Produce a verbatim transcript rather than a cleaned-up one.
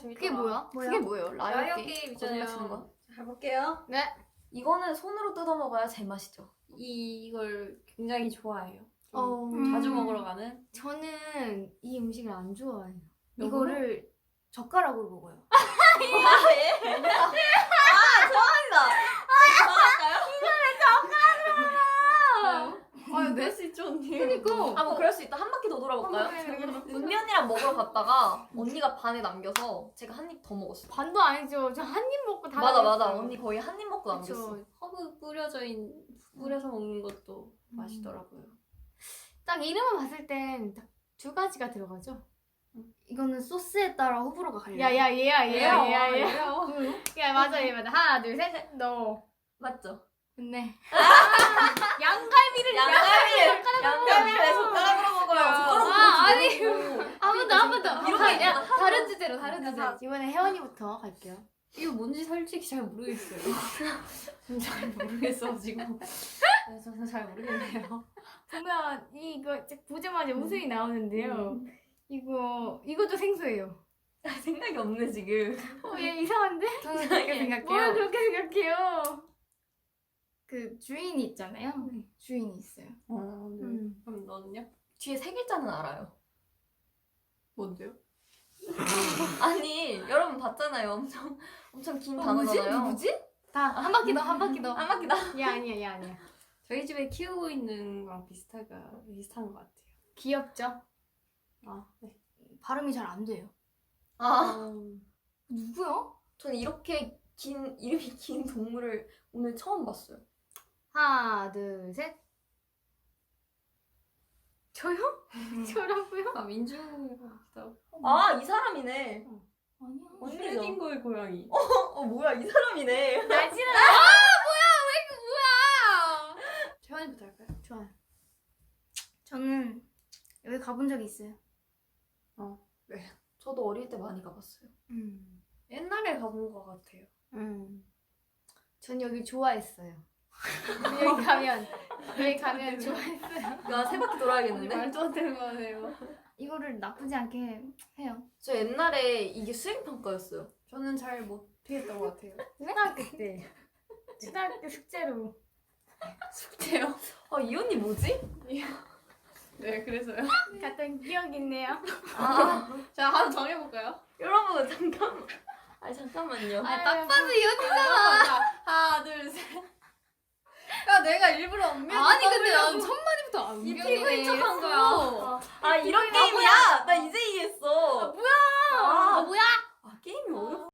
그게 뭐야? 뭐야? 그게 뭐예요? 라이어, 라이어 게임? 게임 거짓말 치는 있잖아요. 거야? 가볼게요. 네. 이거는 손으로 뜯어 먹어야 제맛이죠. 이, 이걸 굉장히 좋아해요. 좀 어. 자주 음. 먹으러 가는. 저는 이 음식을 안 좋아해요. 너무나? 이거를 젓가락으로 먹어요. 아 예? 아 좋아한다. 아, 낼 수 있죠, 언니. 그니까. 아 뭐 그럴 수 있다. 한 바퀴 더 돌아볼까요? 은면이랑 먹으러 갔다가 언니가 반에 남겨서 제가 한 입 더 먹었어요. 반도 아니죠. 저 한 입 먹고 다 맞아 맞아. 남겼어요. 언니 거의 한 입 먹고 남겼어. 그쵸. 허브 뿌려져 있는, 뿌려서 먹는 것도 음. 맛있더라고요. 딱 이름을 봤을 땐 딱 두 가지가 들어가죠. 이거는 소스에 따라 호불호가 갈려. 야야 얘야 얘야 얘야 얘야. 얘야. 야 맞아 얘 맞아. 하나 둘 셋. 너. 맞죠? 네. 양갈비를 양갈비를 양갈비를 왜 젓가락으로 먹어요? 야. 젓가락으로 아, 아니. 먹지. 한 번 더 한 번 더. 이런 거 다- 있잖아. 야, 다른 주제로 다른 야, 주제. 다- 이번에 혜원이부터 갈게요. 이거 뭔지 솔직히 잘 모르겠어요. 저는 잘 모르겠어가지고. 네, 저는 잘 모르겠네요. 보면 이거 딱 보자마자 웃음이 나오는데요. 이거 이것도 생소해요. 생각이 없네 지금. 어, 얘 이상한데? 저는 그렇게 뭘 생각해요. 그렇게 생각해요? 그 주인이 있잖아요. 주인이 있어요. 어, 네. 음. 그럼 너는요? 뒤에 세 글자는 알아요. 뭔데요? 아니 여러분 봤잖아요. 엄청 엄청 긴 어, 단어잖아요. 누구지? 다 한 바퀴 더 한 바퀴 더. 한 바퀴 더. 얘 아니야 얘 아니야. 저희 집에 키우고 있는 거랑 비슷하가, 비슷한 것 같아요. 귀엽죠? 아, 네. 발음이 잘 안 돼요. 아 음. 누구야? 저는 이렇게 긴 이름이 긴 동물을 오늘 처음 봤어요. 하나 둘 셋. 저요? 저라고요? 아, 민주가 같기도 하고. 아 이 사람이네. 아니야. 언니죠. 슈레딩거의 고양이. 어 뭐야 이 사람이네. 나지는 아 뭐야 왜 그 뭐야? 채원이부터 할까요? 좋아요. 저는 여기 가본 적이 있어요. 저도 어릴 때 많이 가봤어요. 음. 옛날에 가본 것 같아요. 음. 전 여기 좋아했어요. 여기 가면 여기 가면 좋아했어요. 야 세 바퀴 언니 돌아야겠는데? 말도 안 되는 거 하네요. 이거를 나쁘지 않게 해요. 저 옛날에 이게 수행 평가였어요. 저는 잘 못했던 것 같아요. 초등학교 때 초등학교 숙제로 숙제요? 아 이 언니 뭐지? 네, 그래서요. 갔던 기억이 있네요. 아 자, 하나 정해볼까요? 여러분 잠깐만. 아 잠깐만요. 아, 딱 봐도 이 언니. 자, 하나, 둘, 셋. 야, 내가 일부러 엉겨. 아니 근데 난 첫 마디부터 안 이 기억해. 피부인 척한 거야. 아 이런 게임이야? 나 이제 이해했어. 아 뭐야?